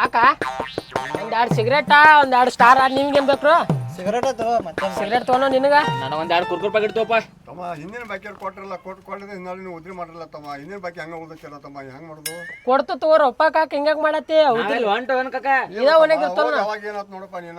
ಕಾಕ ಒಂದೆರಡು ಸಿಗರೇಟಾ ಒಂದೆರಡು ಸ್ಟಾರ್ ನಿಮ್ಗೇನ್ ಬೇಕು? ಸಿಗರೇಟ್ ಮತ್ತೆ ಸಿಗರೇಟ್ ತೊಗೊಂಡು ನಿನಗ ನನಗೆ ಒಂದೆರಡು ಕುರ್ಕುರ್ ಪ್ಯಾಕೆಟ್ ತಗೋಪ. ತಮ್ಮ ಹಿಂದಿನ ಬಾಕಿ ಕೊಟ್ಟಿರಲ್ಲ ಕೊಟ್ಟಿದ್ರೆ ಹಿಂದೆ ನೀವು ಉದ್ರಿ ಮಾಡಿರಲ್ಲ ತಮ್ಮ. ಹಿಂದಿನ ಬಾಕಿ ಹಂಗ ಉಳ್ದಕ್ಕಿಲ್ಲ ತಮ್ಮ, ಹೆಂಗ್ ಮಾಡುದು? ಕೊಡ್ತು ತಗೋರಪ್ಪ ಕಾಕ, ಹಿಂಗ್ಯಾಕ್ ಮಾಡತ್ತಿ? ಹೊಂಟವನ್ ಕಾಕ ಇದ ಒಣಗಿ ಅವಾಗ ಏನಾತ್ ನೋಡಪ್ಪ ನೀನ.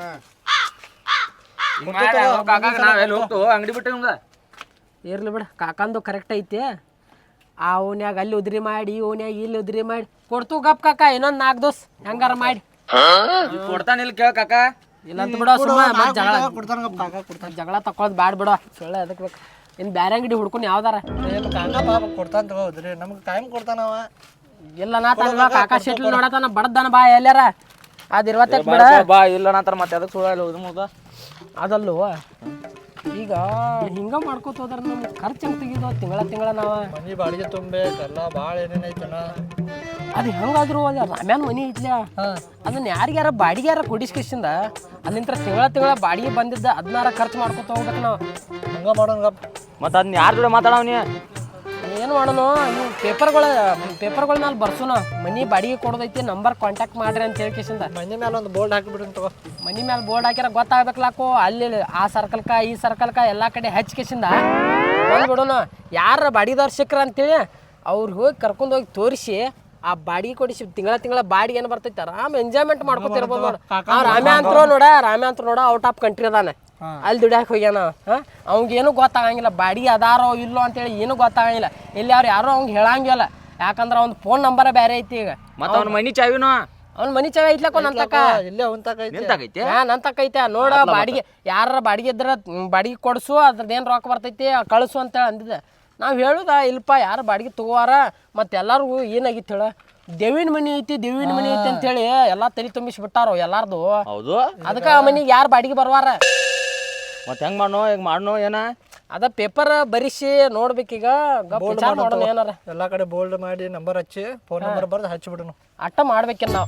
ನಾವೆಲ್ಲಿ ಹೋಗ್ತು ಅಂಗಡಿ ಬಿಟ್ಟು ನಿಮ್ದ ಇರ್ಲಿ ಬಿಡ, ಕಾಕಂದು ಕರೆಕ್ಟ್ ಐತಿ. ಆ ಓನ್ಯಾಗ ಅಲ್ಲಿ ಉದ್ರಿ ಮಾಡಿ ಓನ್ಯಾಗ ಇಲ್ಲಿ ಉದ್ರಿ ಮಾಡಿ ಕೊಡ್ತು ಗಪ್ ಕಾಕ. ಇನ್ನೊಂದ್ 4 ದೋಸ್ ಹೆಂಗಾರ ಮಾಡಿ ಕೊಡ್ತಾನಿಲ್ಲ ಕೇಳ ಕಾಕ. ಇಲ್ಲ ಅಂತ ಬಿಡ, ಸುಮ್ಮ ಜಗಳ ಕೊಡ್ತಾನ ತಕೊಳ್ಳೋದು ಬ್ಯಾಡ ಬಿಡ. ಸೊಳ್ಳೆ ಅದಕ್ಕೆ ಬೇಕು. ಇನ್ ಬ್ಯಾರೆ ಅಂಗಡಿ ಹುಡ್ಕೊಂಡು ಯಾವ್ದಾರ ಕೊಡ್ತಾನ ತಗೋದ್ರಿ, ನಮ್ಗೆ ಟೈಮ್ ಕೊಡ್ತಾನವ. ಇಲ್ಲ ನಾ ತನ್ನ ಕಾಕ ಶೆಟ್ಲ್ ನೋಡತಾನ ಬಡದನ ಬಾ ಎಲ್ಲಾರ ಅದ್ ಇರ್ವತ್ತಕ್ ಬಿಡ. ಬಾ ಇಲ್ಲ ನಂತರ ಮತ್ತೆ ಅದಕ್ಕೆ ಸುಳ್ಳ ಅದಲ್ಲೂ ಈಗ ಹಿಂಗ ಮಾಡ್ಕೋತ ಹೋದ್ರ ನಮ್ಗೆ ಖರ್ಚು ಹೆಂಗ್ ತೆಗಿದೋ ತಿಂಗಳ ನಾವ ಮನಿ ಬಾಡಿಗೆ ತುಂಬೇಕಲ್ಲ, ಭಾಳ ಏನೇನೈತನ. ಅದು ಹೆಂಗಾದ್ರು ಅದ ರಾಮ್ಯಾನ್ ಮನಿ ಐತ್ಲ, ಅದನ್ನ ಯಾರಿಗಾರ ಬಾಡಿಗ್ಯಾರ ಕೊಡಿಸ್ಕಿಸಿಂದ ಅಲ್ಲಿಂತ್ರ ತಿಂಗಳ ಬಾಡಿಗೆ ಬಂದಿದ್ದ ಅದನ್ನಾರ ಖರ್ಚು ಮಾಡ್ಕೊತ ಹೋಗ್ಬೇಕು ನಾವು. ಹಂಗ ಮಾಡೋಣ. ಮತ್ತೆ ಅದನ್ನ ಯಾರ ಜೋಡಿ ಮಾತಾಡವನಿ? ಏನು ಮಾಡೋಣ, ನೀವು ಪೇಪರ್ಗಳ ಮೇಲೆ ಬರ್ಸೋಣ. ಮನಿ ಬಾಡಿಗೆ ಕೊಡೋದೈತಿ, ನಂಬರ್ ಕಾಂಟ್ಯಾಕ್ಟ್ ಮಾಡ್ರಿ ಅಂತ ಹೇಳ್ಕೇಸಿಂದ ಮನಿ ಮೇಲೆ ಒಂದು ಬೋರ್ಡ್ ಹಾಕಿಬಿಡ್ರಿ ತಗೋ. ಮನಿ ಮೇಲೆ ಬೋರ್ಡ್ ಹಾಕ್ಯಾರ ಗೊತ್ತಾಗ್ಬೇಕಲಾಕು. ಅಲ್ಲಿ ಆ ಸರ್ಕಲ್ಕ ಈ ಸರ್ಕಲ್ಕ ಎಲ್ಲ ಕಡೆ ಹಚ್ಕೇಸಿಂದ ಬಂದ್ಬಿಡೋಣ. ಯಾರ ಬಾಡಿಗೆದವ್ರು ಸಿಕ್ಕ್ರ ಅಂತೇಳಿ ಅವ್ರಿಗೆ ಹೋಗಿ ಕರ್ಕೊಂಡೋಗಿ ತೋರಿಸಿ ಆ ಬಾಡಿಗೆ ಕೊಡಿಸಿ ತಿಂಗಳ ಬಾಡಿಗೆ ಏನು ಬರ್ತೈತಿ ಆರಾಮ್ ಎಂಜಾಯ್ಮೆಂಟ್ ಮಾಡ್ಕೊತಿರ್ಬೋದು ನೋಡ. ರಾಮ್ಯ ಅಂತ ನೋಡ ಔಟ್ ಆಫ್ ಕಂಟ್ರಿ ಅದಾನೆ, ಅಲ್ಲಿ ದುಡ್ಯಾಕ ಹೋಗ್ಯಾನ. ಅವ್ಗೇನು ಗೊತ್ತಾಗಂಗಿಲ್ಲ ಬಾಡಿಗೆ ಅದಾರೋ ಇಲ್ಲೋ ಅಂತೇಳಿ ಏನು ಗೊತ್ತಾಗಂಗಿಲ್ಲ. ಇಲ್ಲಿ ಅವ್ರು ಯಾರು ಅವ್ಗೆ ಹೇಳಂಗಿಲ್ಲ, ಯಾಕಂದ್ರೆ ಅವ್ನ ಫೋನ್ ನಂಬರ ಬೇರೆ ಐತಿ. ಈಗ ಮತ್ತೆ ಅವ್ನ ಮನಿ ಚಾವಿನೋ ಅವ್ನ ಮನಿ ಚಾವಿ ಐತ್ಲಕೋ ನಂತಕ ಇಲ್ಲೇ ನಿಂತಾಗೈತಿ. ನಂತಕೈತೆ ನೋಡ. ಬಾಡಿಗೆ ಯಾರ ಬಾಡಿಗೆ ಇದ್ರ ಬಾಡಿಗೆ ಕೊಡ್ಸು, ಅದ್ರದ್ದೇನು ರೊಕ್ಕ ಬರ್ತೈತಿ ಕಳಿಸು ಅಂತೇಳಿ ಅಂದಿದ್ದೆ. ನಾವು ಹೇಳುದ ಇಲ್ಪ ಯಾರು ಬಾಡಿಗೆ ತಗೋವಾರ. ಮತ್ತೆ ಎಲ್ಲರಿಗೂ ಏನಾಗಿತ್ತು ಹೇಳ, ದೇವಿನ ಮನಿ ಐತಿ ಅಂತೇಳಿ ಎಲ್ಲಾ ತಲೆ ತುಂಬಿಸ್ಬಿಟ್ಟಾರ ಎಲ್ಲಾರ್ದು. ಹೌದು, ಅದಕ್ಕೆ ಆ ಮನಿಗೆ ಯಾರು ಬಾಡಿಗೆ ಬರ್ವಾರ. ಮತ್ತೆ ಹೆಂಗ್ ಮಾಡ್ನೋ ಏನ ಅದ ಪೇಪರ್ ಬರಿಸಿ ನೋಡ್ಬೇಕೀಗ. ವಿಚಾರ ಮಾಡೋಣ ಏನಾರ. ಎಲ್ಲಾ ಕಡೆ ಬೋಲ್ಡ್ ಮಾಡಿ ನಂಬರ್ ಹಚ್ಚಿ ಫೋನ್ ನಂಬರ್ ಬರ್ದು ಹಚ್ಚಿಬಿಡೋಣ. ಅಟ್ಟ ಮಾಡ್ಬೇಕೇನು ನಾವು.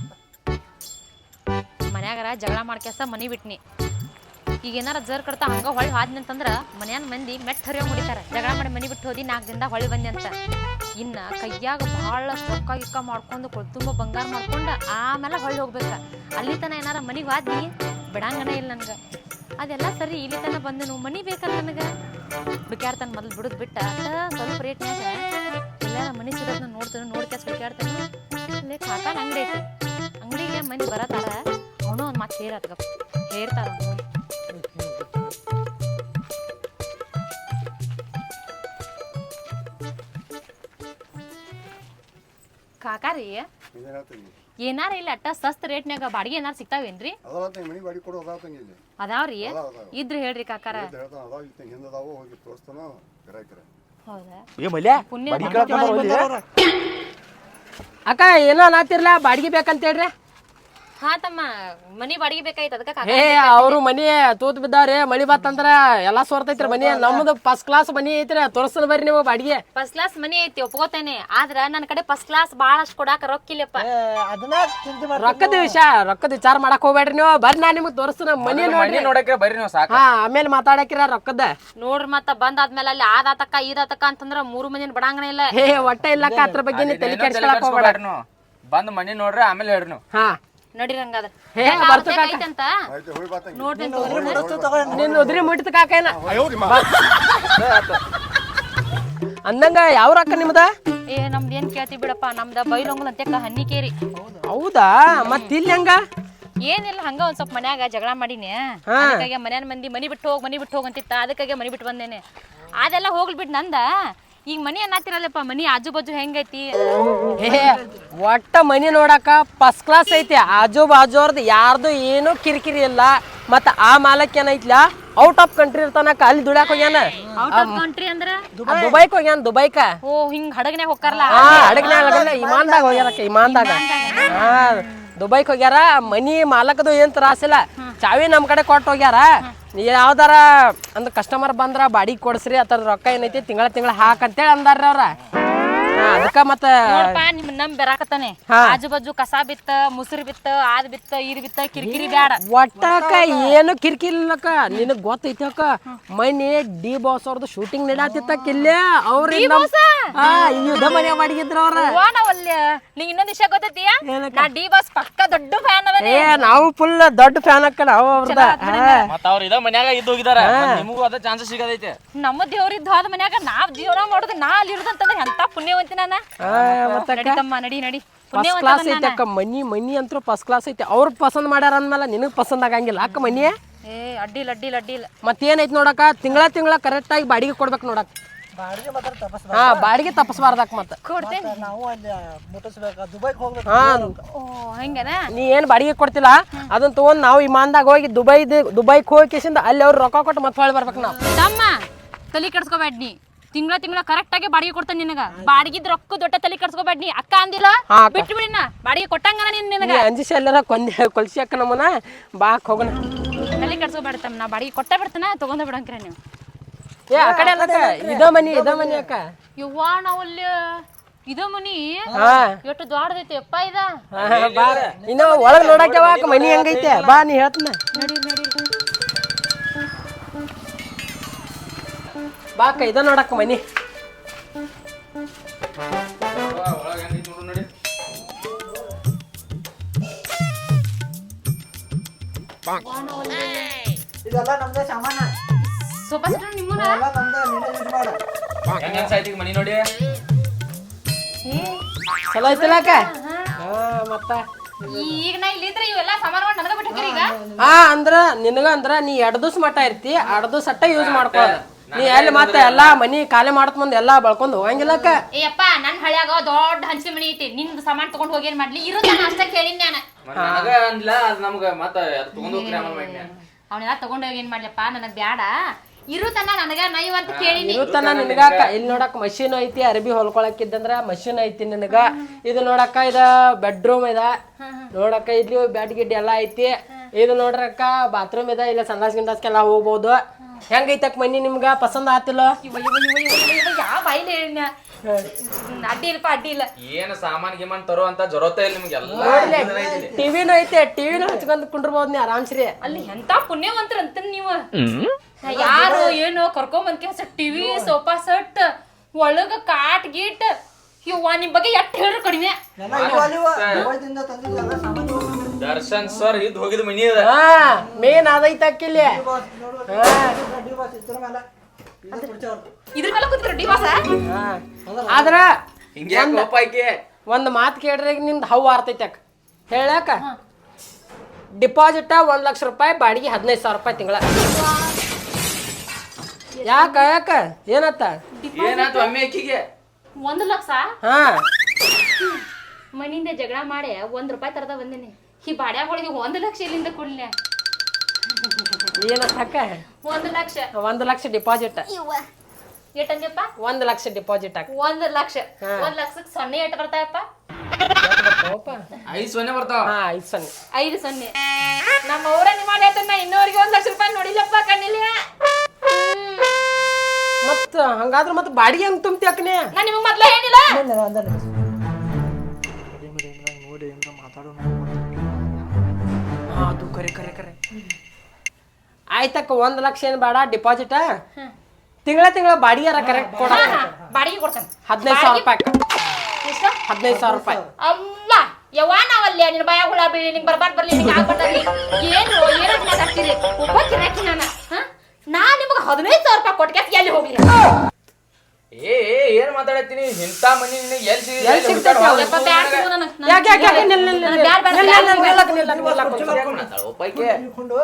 ಮನ್ಯಾಗಾರ ಜಗಳ ಮಾಡ್ಕ್ಯಾಸ ಮನಿ ಬಿಟ್ನಿ. ಈಗ ಏನಾರ ಜರ್ ಕಡ್ತಾ ಹಂಗ ಹೊಳ್ಳಿ ಹಾದ್ನಿ ಅಂತಂದ್ರ ಮನ್ಯಾನ ಮಂದಿ ಮೆಟ್ ಹರಿಯೋ ಮುಡಿತಾರ. ಜಗಳ ಮಾಡಿ ಮನಿ ಬಿಟ್ಟು ಹೋದಿ 4 ದಿನದಾಗ ಹೊಳ್ಳಿ ಬಂದಿ ಅಂತ. ಇನ್ನ ಕೈಯಾಗ ಬಹಳಷ್ಟು ರೊಕ್ಕ ಗಿಕ್ಕ ಮಾಡ್ಕೊಂಡು ತುಂಬ ಬಂಗಾರ ಮಾಡ್ಕೊಂಡ ಆಮೇಲೆ ಹೊಳ್ಳಿ ಹೋಗ್ಬೇಕ. ಅಲ್ಲಿ ತನ ಏನಾರ ಮನಿಗೆ ಹಾದ್ನಿ ಬಿಡಂಗನ ಇಲ್ಲ ನನ್ಗ. ಅದೆಲ್ಲ ಸರಿ, ಇಲ್ಲಿ ತನ ಬಂದನು ಮನಿ ಬೇಕಲ್ಲ ನನಗ. ಹುಡುಕ್ಯಾಡ್ತಾನೆ ಮೊದಲು ಬಿಡುದ್ ಬಿಟ್ಟ ಸ್ವಲ್ಪ ರೇಟ್ನ್ಯಾಗ ಎಲ್ಲಾರ ಮನಿ ಸಿಗೋದನ್ನ ನೋಡ್ಕ್ಯಾಸ್ ಹುಡುಕ್ಯಾಡ್ತಾನೆ. ಅಲ್ಲೇ ಕಾಕಾನ ಅಂಗಡಿ ಐತಿ, ಅಂಗಡಿಗೆ ಮಂದಿ ಬರತಾರ. ಅವನು ಒಂದು ಮಾತು ಹೇರ್ತಾರ. ಕಾಕಾರಿ ಏನಾರ ಇಲ್ಲ ಅಟ್ಟ ಸಸ್ತ ರೇಟ್ನ್ಯಾಗ ಬಾಡಿಗೆ ಏನಾರ ಸಿಗ್ತಾವೇನ್ರಿ? ಅದಾವ್ರಿ, ಇದ್ರ ಹೇಳ್ರಿ ಕಾಕಾರ. ಅಕ್ಕ ಏನೋ ನಾತಿರ್ಲ ಬಾಡಿಗೆ ಬೇಕಂತ ಹೇಳ್ರಿ. ಹಾ ತಮ್ಮ, ಮನಿ ಬಾಡಿಗೆ ಬೇಕಾಯ್ತು ಅದಕ್ಕೆ. ಅವ್ರು ಮನಿ ತೂತ್ ಬಿದ್ದಾವ್ರಿ, ಮಳಿ ಬತ್ತಂದ್ರ ಎಲ್ಲಾ ಸೋರ್ತೈತ್ರಿ ಮನಿ. ನಮ್ದು ಫಸ್ಟ್ ಕ್ಲಾಸ್ ಮನಿ ಐತ್ರಿ, ತೋರ್ಸಲ್ ಬರ್ರಿ ನೀವು ಬಾಡಿಗೆ. ಫಸ್ಟ್ ಕ್ಲಾಸ್ ಮನಿ ಐತಿ ಒಪ್ಕೋತೇನೆ, ಆದ್ರ ನನ್ನ ಕಡೆ ಫಸ್ಟ್ ಕ್ಲಾಸ್ ಬಾಳಷ್ಟು ಕೊಡಾಕ ರೊಕ್ಕಿಲ್ಲಪ್ಪ. ರೊಕ್ಕದ ವಿಚಾರ ಮಾಡಕ್ ಹೋಗ್ಬೇಡ್ರಿ ನೀವು. ಬರ್ರಿ ನಾ ನಿಮ್ಗೆ ತೋರಿಸ್ತೀನಿ ಮನಿ ನೋಡಕ್ಕೆ ಬರ್ರಿ ನೀವು ಸಾಕು. ಆಮೇಲೆ ಮಾತಾಡಕಿರ ರೊಕ್ಕದ ನೋಡ್ರಿ. ಮತ್ತ ಬಂದಾದ್ಮೇಲೆ ಅಲ್ಲಿ ಆದಾತಕ್ಕ ಈದಾತಕ್ಕ ಅಂತಂದ್ರ 3 ಮಂದಿನ ಬಡಂಗನ ಇಲ್ಲ. ಒಟ್ಟ ಇಲ್ಲಕ್ಕ ಅದ್ರ ಬಗ್ಗೆ ನೀವು ತಲೆ ಕೆಡ್ಸ್ಕೊಳಕ್ ಹೋಗ್ಬೇಡ. ಬಂದ್ ಮನಿ ನೋಡ್ರಿ ಆಮೇಲೆ ಹೇಳ್ರಿ ನೀವು. ನಡೀರಿ ಹಂಗಾದ್ರ. ಐತಂತ ನೋಡ್ರಿ ನಿನ್ ಉದ್ರಿ ಮುಟ್ಟಿದ ಕಾಕೇನ ಅಂದಂಗ ಯಾವ ರೊಕ್ಕ ನಿಮ್ದ? ನಮ್ದು ಏನ್ ಕೇಳ್ತಿ ಬಿಡಪ್ಪ, ನಮ್ದ ಬೈಲೊಂಗಲ್ ಅಂತ ಹನ್ನಿಕೇರಿ. ಹೌದಾ? ಮತ್ ಇಲ್ಲಿ ಹೆಂಗ? ಏನಿಲ್ಲ, ಹಂಗ ಒಂದ್ ಸ್ವಲ್ಪ ಮನ್ಯಾಗ ಜಗಳ ಮಾಡೀನಿ. ಅದಕ್ಕಾಗಿ ಮನ್ಯಾನ ಮಂದಿ ಮನಿ ಬಿಟ್ಟು ಹೋಗ್ ಅಂತಿತ್ತ. ಅದಕ್ಕಾಗಿ ಮನಿ ಬಿಟ್ಟು ಬಂದೇನೆ. ಅದೆಲ್ಲ ಹೋಗ್ಲಿ ಬಿಟ್ಟು ನಂದ ಈಗ ಮನಿ ಅನ್ನತ್ತಿರಲ್ಲಪ್ಪ. ಮನಿ ಆಜು ಬಾಜು ಹೆಂಗೈತಿ? ಒಟ್ಟ ಮನಿ ನೋಡಾಕ ಫಸ್ಟ್ ಕ್ಲಾಸ್ ಐತಿ. ಆಜು ಬಾಜು ಅವ್ರದ್ದು ಯಾರ್ದು ಏನು ಕಿರಿಕಿರಿ ಇಲ್ಲ. ಮತ್ತ ಆ ಮಾಲಕ್ ಏನೈತ್ಲ ಔಟ್ ಆಫ್ ಕಂಟ್ರಿ ಇರ್ತಾನಕ, ಅಲ್ಲಿ ದುಡ್ಯಾಕ ಹೋಗ್ಯಾನ. ಔಟ್ ಆಫ್ ಕಂಟ್ರಿ ಅಂದ್ರ ದುಬೈಕ್ ಹೋಗ್ಯಾನ. ದುಬೈಕ ಹಿಂಗ್ ಹಡಗ್ನ್ಯಾಗ ಹೋಗ್ತಾರಲ್ಲ, ಹಡಗ್ನ್ಯಾಗ ಇಮಾನ್ದಾಗ ಹೋಗ್ಯಾರಕ್ಕ. ಇಮಾನ್ದಾಗ ದುಬೈಕ್ ಹೋಗ್ಯಾರ. ಮನಿ ಮಾಲಕದು ಏನ್ ತ್ರಾಸಿಲ್ಲ, ಚಾವಿ ನಮ್ ಕಡೆ ಕೊಟ್ಟು ಹೋಗ್ಯಾರ. ಯಾವ್ದಾರ ಅಂದ್ರ ಕಸ್ಟಮರ್ ಬಂದ್ರ ಬಾಡಿಗೆ ಕೊಡ್ಸ್ರಿ, ಅದ್ರ ರೊಕ್ಕ ಏನೈತಿ ತಿಂಗಳ ಹಾಕಂತೇಳಿ ಅಂದಾರ್ರಿ ಅವ್ರ. ಅದಕ್ಕ ಮತ್ತ ನಿಮ್ ನಮ್ ಬೆರಾಕತ್ತಾನೆ. ಆಜು ಬಾಜು ಕಸ ಬಿತ್ತ, ಮುಸುರು ಬಿತ್ತ, ಆದ್ ಬಿತ್ತ, ಈದ್ ಬಿತ್ತ, ಕಿರಿಕಿರಿ ಬ್ಯಾಡ. ಒಟ್ಟಕ್ಕ ಏನು ಕಿರಿಕಿರಿ ಇಲ್ಲಕ್ಕ. ನಿನಗ್ ಗೊತ್ತೈತಿ ಅಕ್ಕ, ಮನಿ ಡಿ ಬಾಸ್ ಅವ್ರದ್ದು ಶೂಟಿಂಗ್ ನಡಾತಿತ್ತಕ್ಕ ಇಲ್ಲೇ. ಅವ್ರ ಯುದ್ಧ ಮನೆ ಮಾಡಿದ್ರ ಅವ್ರ. ನಾವಲ್ಲಿ ನೀ ಇನ್ನೊಂದ್ ಇನ್ನೊಂದ್ ವಿಷಯ ಗೊತ್ತೈತಿ ನಾ ಡಿ ಬಾಸ್ ಪಕ್ಕ ದೊಡ್ಡ ಫ್ಯಾನ್ ಅವನೇ ಏ ನಾವು ಫುಲ್ ದೊಡ್ಡ ಫ್ಯಾನ್ ಅಕ್ಕ ನಾವು ಅವ್ರದ ಮತ್ತ ಅವ್ರ ಇದ ಮನ್ಯಾಗ ಇದ್ದು ಹೋಗಿದಾರ ನಿಮಗೂ ಅದ ಚಾನ್ಸಸ್ ಸಿಗದೈತೆ ನಮ್ಮ ದೇವ್ರಿದ್ದು ಹೋದ ಮನ್ಯಾಗ ನಾವ್ ದೇವ್ರ ಮಾಡೋದು ನಾ ಅಲ್ಲಿ ಇರುದಂತಂದ್ರೆ ಎಂತ ಪುಣ್ಯವಂತಿ ನಾನ ನಡಿತಮ್ಮ ನಡಿ ನಡಿ ಫಸ್ಟ್ ಕ್ಲಾಸ್ ಐತೆ ಅಕ್ಕ ಮನಿ ಅಂತೂ ಫಸ್ಟ್ ಕ್ಲಾಸ್ ಐತೆ ಅವ್ರು ಪಸಂದ್ ಮಾಡ್ಯಾರ ಅಂದ್ಮೇಲೆ ನಿನಗ್ ಪಸಂದ್ ಆಗಂಗಿಲ್ಲ ಅಕ್ಕ ಮನಿ ಏ ಅಡ್ಡಿಲ್ಲ ಮತ್ತೇನೈತಿ ನೋಡಕ್ಕ ತಿಂಗಳ ಕರೆಕ್ಟ್ ಆಗಿ ಬಾಡಿಗೆ ಕೊಡ್ಬೇಕು ನೋಡಕ್ ಬಾಡಿಗೆ ಮಾತ್ರ ತಪಸ್ ಹಾ ಬಾಡಿಗೆ ತಪ್ಪಸ್ಬಾರ್ದಕ್ಕ ಮತ್ತ ಕೊಡ್ತೇನೆ ನಾವು ಅಲ್ಲಿ ಮುಟ್ಟಿಸ್ಬೇಕ ದುಬೈಗೆ ಹೋಗ್ಬೇಕು ಹಾ ಓ ಹಂಗನ ನೀ ಏನ್ ಬಾಡಿಗೆ ಕೊಡ್ತಿಲ್ಲ ಅದನ್ನ ತಗೊಂಡ್ ನಾವು ವಿಮಾನದಾಗ ಹೋಗಿ ದುಬೈಗೆ ಹೋಗಿ ಕೇಸಿಂದ ಅಲ್ಲಿ ಅವ್ರು ರೊಕ್ಕ ಕೊಟ್ಟು ಮತ್ತೆ ಹೊಳ್ಳಿ ಬರ್ಬೇಕು ನಾವು ತಮ್ಮ ತಲೆ ಕೆಡ್ಸ್ಕೊಬೇಡ ನೀ ತಿಂಗಳ ಕರೆಕ್ಟ್ ಆಗಿ ಬಾಡಿಗೆ ಕೊಡ್ತಾನೆ ನಿನಗ ಬಾಡಿಗಿದ್ ರೊಕ್ಕ ದೊಡ್ಡ ತಲೆ ಕೆಡ್ಸ್ಕೊಬೇಡ ನೀ ಅಕ್ಕ ಅಂದಿಲ್ಲ ಬಿಟ್ಟು ಬಿಡಿನ ಬಾಡಿಗೆ ಕೊಟ್ಟಂಗನ ನಿನಗ ಅಂಜಿಸಿ ಎಲ್ಲಾರ ಕೊಲ್ಸಿ ಅಕ್ಕ ನಮ್ಮನ ಬಾಕ್ ಹೋಗೋಣ ತಲೆ ಕೆಡ್ಸ್ಕೊಬೇಡ ತಮ್ಮ ನಾ ಬಾಡಿಗೆ ಕೊಟ್ಟ ಬಿಡ್ತಾನ ತಗೊಂಡ ಬಿಡಂಕ್ರ ನೀವು ಏ ಆ ಕಡೆ ಅಲ್ಲಕ್ಕ ಇದ ಮನಿ ಅಕ್ಕ ಯವ್ವಾ ನಾವಲ್ಲಿ ಇದ ಮನಿ ಹಾ ಎಷ್ಟು ದೊಡ್ಡದೈತಿ ಅಪ್ಪ ಇದ ಬಾ ಇನ್ನ ಒಳಗ್ ನೋಡಕ್ಕೆ ಅಕ್ಕ ಮನಿ ಹೆಂಗೈತೆ ಬಾ ನೀ ಹೇಳ್ತನ ಬಾ ಅಕ್ಕ ಇದ ನೋಡಕ್ಕ ಮನಿ ಇದೆಲ್ಲ ನಮ್ದೇ ಸಾಮಾನ ಸೋಫಾ ಸೆಟ್ ನಿಮ್ಮನ ಎಲ್ಲ ನಮ್ದೇ ನೀನೇ ಯೂಸ್ ಮಾಡ ಹೆಂಗ್ ಸಾಯ್ತಿಗೆ ಮನಿ ನೋಡಿ ಚಲೋ ಐತಿಲ್ಲ ಅಕ್ಕ ಹಾ ಮತ್ತ ಈಗ ನಾ ಇಲ್ಲಿಂದ್ರ ಇವೆಲ್ಲ ಸಾಮಾನು ನನಗ ಬಿಟ್ಟಿರಿ ಈಗ ಅಂದ್ರ ನಿನಗ ಅಂದ್ರ ನೀ 2 ದಿವಸ ಮಟ್ಟ ಇರ್ತಿ 2 ದಿವಸ ಅಟ್ಟ ಯೂಸ್ ಮಾಡ್ಕೊಳ್ಳೋದು ನೀ ಎಲ್ಲಿ ಮತ್ತೆ ಎಲ್ಲಾ ಮನಿ ಖಾಲಿ ಮಾಡತ್ ಮುಂದೆ ಎಲ್ಲಾ ಬಳ್ಕೊಂಡ್ ಹೋಗಂಗಿಲ್ಲಕ್ಕ ಏಯಪ್ಪ ನನ್ ಹಳ್ಯಾಗ ದೊಡ್ಡ ಹಂಚಿನ ಮನಿ ಐತಿ ನಿಂದ ಸಾಮಾನ್ ತಗೊಂಡ್ ಹೋಗಿ ಏನ್ ಮಾಡ್ಲಿ ಇರೋದ ಅಷ್ಟ ಕೇಳಿನ್ ನಾನು ನನಗ ಅಂದ್ಲ ಅದ್ ನಮ್ಗ ಮತ್ತ ತಗೊಂಡ್ ಹೋಗ್ರಿ ಆಮೇಲೆ ಮಾಡಿ ಅವನೆಲ್ಲ ತಗೊಂಡ್ ಹೋಗಿ ಏನ್ ಮಾಡ್ಲಪ್ಪ ನನಗ್ ಬ್ಯಾಡ ಇರುತನ ನನಗ ನೈವ್ ಅಂತ ಕೇಳಿನಿ ಇರುತ್ತನ ನಿನಗಾಕ ಇಲ್ಲಿ ನೋಡಕ್ ಮಷೀನ್ ಐತಿ ಅರ್ಬಿ ಹೊಲ್ಕೊಳಕಿದ್ದಂದ್ರ ಮಷೀನ್ ಐತಿ ನಿನಗ ಇದು ನೋಡಕ್ಕ ಇದ ಬೆಡ್ರೂಮ್ ಇದ ನೋಡಕ್ಕ ಇಲ್ಲಿ ಬೆಡ್ ಗಿಡ್ ಎಲ್ಲಾ ಐತಿ ಇದು ನೋಡ್ರಕ್ಕ ಬಾತ್ರೂಮ್ ಇದ ಇಲ್ಲ ಸಂಡಾಸ್ ಗಿಂಡಾಸ್ಕೆಲ್ಲ ಹೋಗ್ಬೋದು ಹೆಂಗೈತಕ್ ಮನಿ ನಿಮ್ಗ ಪಸಂದ್ ಆತಿಲ್ಲ ಯಾವ ಬಾಯಿಲೆ ಹೇಳಿನ ಅಡ್ಡಿ ಇಲ್ಲಪ್ಪ ಅಡ್ಡಿ ಇಲ್ಲ ಏನ್ ಸಾಮಾನ್ ಗಿಮಾನ್ ತರೋ ಅಂತ ಜೊರತ ಇಲ್ಲ ನಿಮ್ಗೆಲ್ಲ ಟಿವಿನೂ ಐತೆ ಟಿವಿನೂ ಹಚ್ಕೊಂಡ್ ಕುಂಡ್ರಬಹುದು ನೀ ಆರಾಮ್ಸ್ರಿ ಅಲ್ಲಿ ಎಂತ ಪುಣ್ಯವಂತರ ಅಂತ ನೀವು ಯಾರು ಏನು ಕರ್ಕೊಂಬಂತ ಟಿವಿ ಸೋಫಾ ಸೆಟ್ ಒಳಗ ಕಾಟ್ ಗೀಟ್ ಇವ್ವ ನಿಮ್ ಬಗ್ಗೆ ಎಷ್ಟ್ ಹೇಳ್ರು ಕಡಿಮೆ ಎಲ್ಲ ಇವು ಅಲ್ಲಿವ ದುಬೈದಿಂದ ತಂದಿದ್ದೆಲ್ಲ ಸಾಮಾನು ದರ್ಶನ್ ಸರ್ ಇದ್ ಹೋಗಿದ್ ಮನಿ ಅದ ಮೇನ್ ಅದೈತಕ್ಕಿಲ್ಲಿ ಡಿ ಬಾಸ್ ಇದ್ರ ಮೇಲೆ ಇದು ಕುಡ್ಚವ್ರು ಇದ್ರ ಮೇಲೆ ಕೂತಿದ್ರು ಡಿವಾಸ ಆದ್ರ ಹಿಂಗೆ ಕೋಪ ಆಯ್ಕೆ ಒಂದ್ ಮಾತು ಕೇಳ್ರಿ ನಿಮ್ದು ಹವ್ ಆರ್ತೈತಿ ಅಕ್ಕ ಹೇಳಕ್ಕ ಡಿಪಾಸಿಟ್ 1 ಲಕ್ಷ ರೂಪಾಯಿ ಬಾಡಿಗೆ 15,000 ರೂಪಾಯಿ ತಿಂಗಳ ಯಾಕ ಏನತ್ತ ಏನಾಯ್ತು ಅಮ್ಮಿ ಅಕ್ಕಿಗೆ 1 ಲಕ್ಷ ಹಾ ಮನಿಂದ ಜಗಳ ಮಾಡಿ 1 ರೂಪಾಯಿ ತರದ ಬಂದಿನಿ ಈ ಬಾಡ್ಯಾಗಳಿಗೆ 1 ಲಕ್ಷ ಇಲ್ಲಿಂದ ಕೊಡ್ಲಿ ಏನತ್ತ ಅಕ್ಕ 1 ಲಕ್ಷ 1 ಲಕ್ಷ ಡಿಪಾಸಿಟ್ ಎಷ್ಟಂದ್ಯಪ್ಪ 1 ಲಕ್ಷ ಡಿಪಾಸಿಟ್ ಅಕ್ಕ 1 ಲಕ್ಷ 1 ಲಕ್ಷಕ್ಕೆ ಸೊನ್ನೆ ಎಷ್ಟು ಬರ್ತಾಯಪ್ಪ 5 ಸೊನ್ನೆ ಬರ್ತಾವ ಹಾ 5 ಸೊನ್ನೆ 5 ಸೊನ್ನೆ ನಮ್ಮ ಊರಲ್ಲಿ ಮಾಡಿ ನಾ ಇನ್ನೋರಿಗೆ 1 ಲಕ್ಷ ರೂಪಾಯಿ ನೋಡಿಲ್ಲಪ್ಪ ಕಣ್ಣಿಲ್ಲ ಮತ್ತ ಹಂಗಾದ್ರ ಮತ್ತ ಬಾಡಿಗೆ ಹೆಂಗ್ ತುಂಬ್ತಿ ಅಕ್ಕನೆ ನಾ ನಿಮಗ್ ಮೊದ್ಲ ಹೇಳಿಲ್ಲ ನೋಡಿ ಏನ್ರ ಮಾತಾಡೋಣ ಅದು ಕರೆ ಆಯ್ತಕ್ಕ 1 ಲಕ್ಷ ಏನ್ ಬೇಡ ಡಿಪಾಸಿಟ್ ತಿಂಗಳ ಬಾಡಿಗೆ ಕರೆಕ್ಟ್ ಕೊಡ ಬಾಡಿಗೆ ಕೊಡ್ತಾನೆ 15,000 ರೂಪಾಯಿ ಎಷ್ಟು 15,000 ರೂಪಾಯಿ ಅಲ್ಲ ಯವ್ವ ನಾವಲ್ಲೇ ನಿನ್ನ ಬಾಯ ಹುಳ ಬೀಳಿ ನಿಂಗೆ ಬರ್ಬಾರ್ದು ನಿಂಗೆ ಆಗ್ಬಾರ್ದಲ್ಲಿ ಏನು ಮಾತಾಡ್ತೀರಿ ಒಬ್ಬ ಕಿರಾಕಿ ನಾ ನಿಮಗೆ 15,000 ರೂಪಾಯಿ ಕೊಟ್ಕೆ ಎಲ್ಲಿ ಹೋಗ್ಲಿ ಏನ್ ಮಾತಾಡತ್ತೀನಿ ಇಂತ ಮನಿ ನಿನಗೆ ಎಲ್ಲಿ ಎಲ್ಲಿ ಸಿಗ್ತೈತೆ ಯಪ್ಪ ಬ್ಯಾಡ ತಗೋ ನನಗೆ ಯಾಕೆ ನಿಲ್ಲ ಒಪ್ಪೈಕೆ ಇಟ್ಕೊಂಡು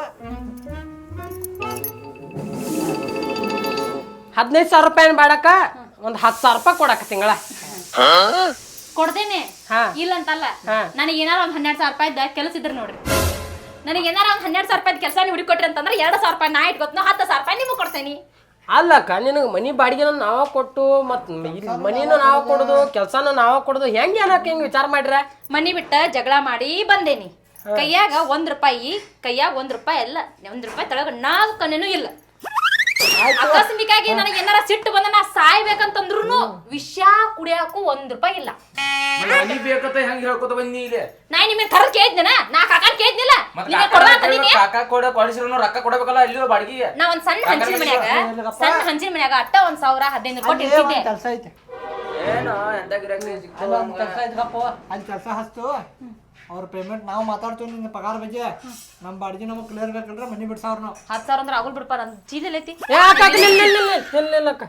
15,000 ರೂಪಾಯಿ ಬೇಡಕ್ಕ ಒಂದ್ 10,000 ರೂಪಾಯಿ ಕೊಡಕ್ಕ ತಿಂಗಳ ಕೊಡ್ತೇನೆ ಹಾ. ಇಲ್ಲ ಅಂತಲ್ಲ ಹಾ. ನನಗೆ ಏನಾರ ಒಂದ್ 12,000 ರೂಪಾಯಿ ಕೆಲಸ ಇದ್ರೆ ನೋಡ್ರಿ ನನಗೆ ಏನಾರ ಒಂದ್ 12,000 ರೂಪಾಯಿ ಕೆಲಸ ನೀವು ಹುಡುಕೊಟ್ರಿ ಅಂತಂದ್ರೆ 2,000 ರೂಪಾಯಿ ನಾ ಇಟ್ಕೊತ್ನೋ 10,000 ರೂಪಾಯಿ ನಿಮಗೆ ಕೊಡ್ತೇನೆ ಅಲ್ಲಕ್ಕ ನಿನಗೆ ಮನಿ ಬಾಡಿಗೆನ ನಾವ ಕೊಟ್ಟು ಮತ್ ಮನಿನೂ ನಾವ ಕೊಡುದು ಕೆಲ್ಸಾನು ನಾವ ಕೊಡುದು ಹೆಂಗ್ ಏನಕ್ಕ ಹಿಂಗ್ ವಿಚಾರ ಮಾಡ್ರ ಮನಿ ಬಿಟ್ಟ ಜಗಳ ಮಾಡಿ ಬಂದೇನಿ ಕೈಯಾಗ 1 ರೂಪಾಯಿ ಕೈಯಾಗ 1 ರೂಪಾಯಿ ಅಲ್ಲ 1 ರೂಪಾಯಿ ತಳಗ ನಾವು ಕಣ್ಣೇನು ಇಲ್ಲ ಅಕಸ್ಮಿಕಾಗಿ ನನಗೆ ಏನಾರ ಸಿಟ್ಟು ಬಂದ ನಾ ಸಾಯ್ಬೇಕಂತಂದ್ರು ವಿಷ ಕುಡಿಯಾಕು 1 ರೂಪಾಯಿ ಇಲ್ಲ ಮನಿ ಬೇಕಂತ ಹೆಂಗ್ ಹೇಳ್ಕೊತ ಬಂದಿ ಇಲ್ಲಿ ನಾ ನಿಮಗೆ ಕರ ಕೇಳಿದ್ನ ನಾ ಕಾಕಾನ್ ಕೇಳಿದ್ನಿಲ್ಲ ನೀವೇ ಕೊಡ್ವಾ ಅಂತಂದಿನಿ ಕಾಕ ಕೊಡಿಸಿರೋ ರೊಕ್ಕ ಕೊಡಬೇಕಲ್ಲ ಅಲ್ಲಿ ಬಾಡಿಗೆ ನಾ ಒಂದ್ ಸಣ್ಣ ಹಂಚಿನ ಮನ್ಯಾಗ ಅಟ್ಟ 1,000 15 ರೂಪಾಯಿ ಇಟ್ಟಿದ್ದೆ ಕೆಲಸ ಐತೆ ಏನು ಎಂತ ಗಿರಾಕಿ ಅಲ್ಲ ಒಂದು ಕೆಲಸ ಇದ್ರಪ್ಪ ಅಲ್ಲಿ ಕೆಲಸ ಹಚ್ತು ಅವ್ರ ಪೇಮೆಂಟ್ ನಾವು ಮಾತಾಡ್ತೀವಿ ನಿನ್ನ ಪಗಾರ ಬಗ್ಗೆ ನಮ್ಮ ಬಾಡಿಗೆ ನಮಗೆ ಕ್ಲಿಯರ್ ಬೇಕಂದ್ರೆ ಮನೆ ಬಿಡ್ಸಾವ್ರ ನಾವು 10,000 ಅಂದ್ರೆ ಆಗಲ್ ಬಿಡಪ್ಪ ನನ್ನ ಚೀಲ ಐತಿ ಏ ಅಕ್ಕ ಅಕ್ಕ, ನಿಲ್ಲ ಅಕ್ಕ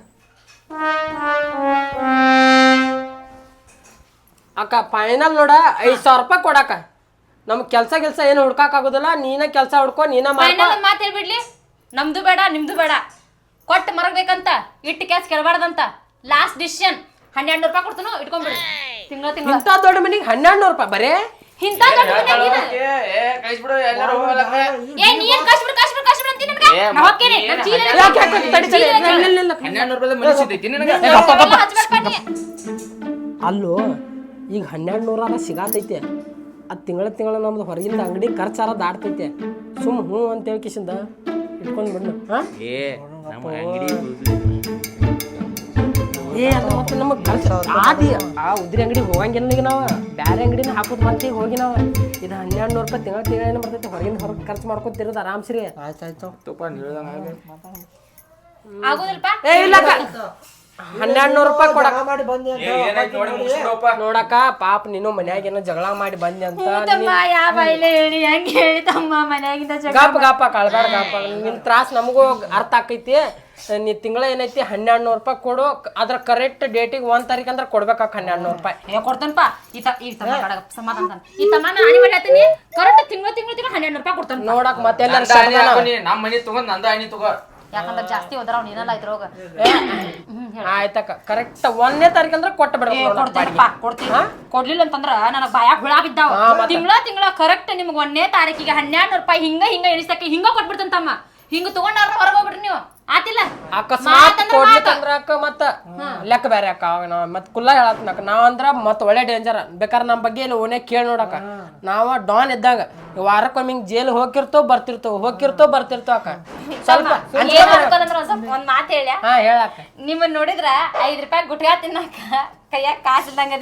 ಅಕ್ಕ ಫೈನಲ್ ನೋಡ 5,000 ರೂಪಾಯಿ ಕೊಡಕ್ಕ. ನಮ್ಗೆ ಕೆಲ್ಸ ಏನು ಹುಡ್ಕಾಕ್ ಆಗುದಿಲ್ಲ, ನೀನ ಕೆಲಸ ಹುಡ್ಕೊ, ನೀನ ಫೈನಲ್ ಒಂದು ಮಾತು ಹೇಳ್ಬಿಡ್ಲಿ, ನಮ್ದು ಬೇಡ ನಿಮ್ದು ಬೇಡ, ಕೊಟ್ಟು ಮರಗ್ಬೇಕಂತ ಇಟ್ಟು ಕ್ಯಾಸ್ ಕೆಳಬಾರ್ದಂತ. ಲಾಸ್ಟ್ ಡಿಸಿಷನ್ 1,200 ರೂಪಾಯಿ ಕೊಡ್ತಾನು, ಇಟ್ಕೊಂಡ್ಬಿಡು. ತಿಂಗಳ ಇಂಥ ದೊಡ್ಡ ಮನಿಗೆ 1,200 ರೂಪಾಯಿ ಬರೇ ಇಂಥ ದೊಡ್ಡ ಮನ್ಯಾಗ ಕಳಿಸ್ಬಿಡು ಎಲ್ಲಾರು ಹೋಗಲಕ್ಕ. ಏ ನೀ ಏನ್ ಕಷ್ಟ ಅಂತೀನಿ ನಮ್ಗೆ? ನಾ ಹೋಗ್ತೇನೆ, ನಮ್ ಚೀಲ ಐತಿ. ಯಾಕೆ ತಡಿ ತಡಿ, ನಿಲ್ಲ 1200 ರೂಪಾಯಿ ಮನೆ ಸಿಗ್ತೈತಿ ನಿನಗೆ. ಎಲ್ಲ ಹಚ್ಬೇಡ್ಪ ನೀ. ಅಲ್ಲೋ ಈಗ 1,200 ಸಿಗಾತೈತೆ, ಅದು ತಿಂಗಳ ನಮ್ದು ಹೊರಗಿಂದ ಅಂಗಡಿ ಖರ್ಚಾರ ದಾಡ್ತೈತೆ. ಸುಮ್ ಹ್ಞೂ ಅಂತ ಹೇಳಿ ಕಿಶಿಂದ ಇಟ್ಕೊಂಡ್ ಬಿಡ್ನು. ಹಾಂ ಏ ನಮ್ಮ ಅಂಗಡಿ ಏ ಅದು ಮತ್ತೆ ನಮಗೆ ಖರ್ಚು ಆದಿ ಆ ಉದ್ರಿ ಅಂಗಡಿಗೆ ಹೋಗಂಗಿಲ್ಲ ಈಗ ನಾವು, ಬೇರೆ ಅಂಗಡಿನ ಹಾಕೋದು ಮತ್ತೆ ಈಗ ಹೋಗಿ ನಾವು ಇದು 1,200 ರೂಪಾಯಿ ತಿಂಗಳ ಏನು ಬರ್ತೈತೆ, ಹೊರಗಿಂದ ಹೊರಗೆ ಖರ್ಚು ಮಾಡ್ಕೊತಿರೋದು ಆರಾಮ್ಸ್ರಿ. ಆಯ್ತಾಯ್ತು ಆಗೋದಿಲ್ಪ ಏ ಇಲ್ಲಕ್ಕ 1,200 ರೂಪಾಯಿ ಕೊಡಕ್ಕ ಮಾಡಿ ಬಂದಿ ಅಂತ ಏನಾಯ್ತು ನೋಡಿ ಮುಗಿಸ್ಬಿಡಪ್ಪ. ನೋಡಕ್ಕ ಪಾಪ ನೀನು ಮನ್ಯಾಗ ಏನೋ ಜಗಳ ಮಾಡಿ ಬಂದಿ ಅಂತ ತಮ್ಮ ಯಾವ ಬೈಲೆ ಹೇಳಿ ಹೆಂಗ್ ಹೇಳಿ ತಮ್ಮ ಮನ್ಯಾಗಿಂದ ಗಾಪ ಕಳ್ಬೇಡ ಗಾಪ, ನಿನ್ ತ್ರಾಸ ನಮಗೂ ಅರ್ಥ ಆಕೈತಿ. ನೀ ತಿಂಗಳ ಏನೈತಿ 1,200 ರೂಪಾಯಿ ಕೊಡು, ಅದ್ರ ಕರೆಕ್ಟ್ ಡೇಟಿಗೆ 1 ತಾರೀಕು ಅಂದ್ರೆ ಕೊಡ್ಬೇಕಾಕ 1,200 ರೂಪಾಯಿ. ಏ ಕೊಡ್ತಾನಪ್ಪ ಈ ತಮ್ಮ ಕಡೆ ಸಮಾಧಾನ ಈ ತಮ್ಮ ನಾನು ಮಾಡ್ತೀನಿ ಕರೆಕ್ಟ್ ತಿಂಗಳ 1,200 ರೂಪಾಯಿ ಕೊಡ್ತಾನ. ನೋಡಕ್ ಮತ್ತೆ ಎಲ್ಲಾರು ನಮ್ಮ ಮನಿ ತಗೊಂಡ್ ನಂದ ಆಣಿ ತಗೋ. ಯಾಕಂದ್ರೆ ಜಾಸ್ತಿ ಹೋದ್ರ ಅವ್ನು ಏನೆಲ್ಲ ಇದ್ರೋಗ ಆಯ್ತಕ್ಕ ಕರೆಕ್ಟ್ 1ನೇ ತಾರೀಕು ಅಂದ್ರೆ ಕೊಟ್ಟು ಕೊಡ್ತೇನಪ್ಪ ಕೊಡ್ತೀನಿ. ಕೊಡ್ಲಿಲ್ಲ ಅಂತಂದ್ರ ನನಗ್ ಬಾಯಾಗ ಹುಳ ಬಿದ್ದಾವ. ತಿಂಗಳ ಕರೆಕ್ಟ್ ನಿಮ್ಗೆ 1ನೇ ತಾರೀಕಿಗೆ 1,200 ರೂಪಾಯಿ ಹಿಂಗ ಎಣಿಸಕ್ಕೆ ಹಿಂಗ ಕೊಟ್ಬಿಡ್ತಾನ ತಮ್ಮ. ಹಿಂಗ ತಗೊಂಡಾರ ಹೊರಗೆ ಹೋಗ್ಬಿಡ್ರಿ ನೀವು, ಆತಿಲ್ಲ ಅಕಸ್ಮಾತ್ ಕೊಡ್ಲಿಕ್ಕಂದ್ರ ಅಕ್ಕ ಮತ್ತ ಲೆಕ್ಕ ಬೇರೆ ಅಕ್ಕ. ನಾವ್ ಮತ್ ಕುಲ್ಲ ಹೇಳತ್ನಕ್ಕ ನಾವಂದ್ರ ಮತ್ ಒಳ್ಳೆ ಡೇಂಜರ್. ಬೇಕಾದ್ರೆ ನಮ್ ಬಗ್ಗೆ ಇಲ್ಲಿ ಓನೇ ಕೇಳಿ ನೋಡಕ್ಕ, ನಾವ ಡಾನ್ ಇದ್ದಾಗ ವಾರಕ್ಕೊಮ್ಮೆ ಹಿಂಗ್ ಜೈಲ್ ಹೋಗಿರ್ತೇವ್ ಬರ್ತಿರ್ತೇವ್ ಅಕ್ಕ. ಸ್ವಲ್ಪ ಒಂದ್ ಮಾತು ಹೇಳ. ಹಾ ಹೇಳಕ್ಕ, ನಿಮ್ಮನ್ನ ನೋಡಿದ್ರ 5 ರೂಪಾಯಿ ಗುಟ್ಕಾ ತಿನ್ನಾಕ ಕೈಯಾಗ ಕಾಸು ಇದ್ದಂಗ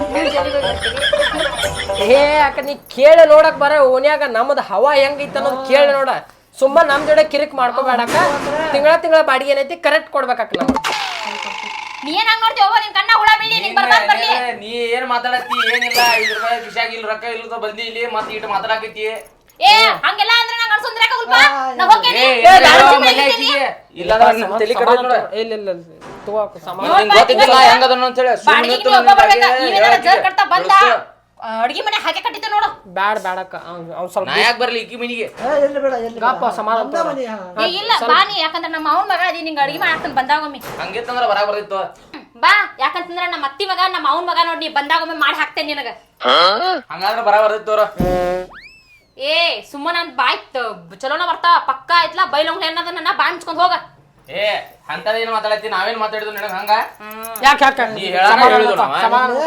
ಏ ಅಕ್ಕ ನೀ ಕೇಳಿ ನೋಡಕ್ ಬರ ಓನ್ಯಾಗ ನಮ್ದು ಹವಾ ಹೆಂಗೈತಿ ಅನ್ನೋದು ಕೇಳಿ ನೋಡ. ಸುಮ್ಮ ನಮ್ ಜೋಡೆ ಕಿರಿಕ್ ಮಾಡ್ಕೋಬೇಡಕ್ಕ. ತಿಂಗಳ ಬಾಡಿಗೆ ಏನೈತಿ ಕರೆಕ್ಟ್ ಕೊಡ್ಬೇಕಕ್ಕ ನಮ್ಗೆ. ನೀ ಏನ್ ಹಂಗ್ ನೋಡ್ತೀವ ನಿನ್ ಕಣ್ಣ ಹುಳ ಬೀಳಿ ನಿನ್ ಬರ್ಬಾರ್ದು ಬರ್ಲಿ. ನೀ ಏನ್ ಮಾತಾಡತ್ತಿ ಏನಿಲ್ಲ, 5 ರೂಪಾಯಿ ಕಿಶಾಗ ಇಲ್ಲ ರೊಕ್ಕ ಇಲ್ಲ ಬಂದಿ ಇಲ್ಲಿ ಮತ್ತೆ ಇಟ್ಟು ಮಾತಾಡಕತ್ತಿ. ಏ ಹಂಗೆಲ್ಲ ಅಂದ್ರೆ ನಂಗೆ ಅನ್ಸೊಂದ್ರೆ ಆಗಲ್ವಾ? ನಾ ಹೋಗ್ತೀನಿ. ಇಲ್ಲಾಂದ್ರೆ ನಮ್ಮ ತಲೆ ಕಡೆ ನೋಡ. ಇಲ್ಲ ತಗೋಕ ಸಮಾನ ನಿಂಗೆ ಗೊತ್ತಿಲ್ಲ ಹೆಂಗದನ್ನು ಅಂತ ಹೇಳಿ ಬಾಡಿಗೆ ನೀವು ಒಬ್ಬ ಬರ್ಬೇಕಾ? ನೀವೇನಾರ ಜರ್ ಕಟ್ತಾ ಬಂದ ಅಡ್ಗಿ ಮನೆ ಹಾಗೆ ಕಟ್ಟಿದ್ದೆ ನೋಡು. ಬ್ಯಾಡಕ್ಕ ಅವ್ನು ಸ್ವಲ್ಪ ನಾ ಯಾಕೆ ಬರ್ಲಿ ಈಕಿ ಮನಿಗೆ? ಎಲ್ಲಿ ಬೇಡ ಎಲ್ಲಿ ಗಾಪ ಸಮಾಧಾನ ತಗೋ. ಮನೆ ಏ ಇಲ್ಲ ಬಾನಿ, ಯಾಕಂದ್ರೆ ನಮ್ಮ ಅವನ ಮಗ ಅದಿ ನಿಂಗೆ ಅಡ್ಗಿ ಮಾಡಾಕ್ತಾನೆ ಬಂದಾಗೊಮ್ಮೆ. ಹಂಗಿತ್ತಂದ್ರ ಬರಾಕ್ ಬರ್ದಿತ್ತು. ಬಾ, ಯಾಕಂತಂದ್ರ ನಮ್ಮ ಅತ್ತಿ ಮಗ ನಮ್ಮ ಅವನ ಮಗ ನೋಡಿ ಬಂದಾಗೊಮ್ಮೆ ಮಾಡಿ ಹಾಕ್ತೇನೆ ನಿನಗ. ಹಂಗಾದ್ರೆ ಬರಾಕ್ ಬರ್ದಿತ್ತು ಅವ್ರ. ಏ ಸುಮ್ಮನ ನನ್ ಬಾಯ್ ಚಲೋನ ಬರ್ತಾವ ಪಕ್ಕ ಆಯ್ತಲ್ಲ ಬೈಲೊಂಗ್ ಏನದ ನನ್ನ ಬಾಯ್ ಮುಚ್ಕೊಂಡ್ ಹೋಗ. ಏ ಅಂತದೇನು ಮಾತಾಡತ್ತಿ, ನಾವೇನ್ ಮಾತಾಡಿದ್ವು ನಿನಗ ಹಂಗ? ಯಾಕೆ ನೀ ಹೇಳಾಕ ಹೇಳಿದ್ರು ನಾವ.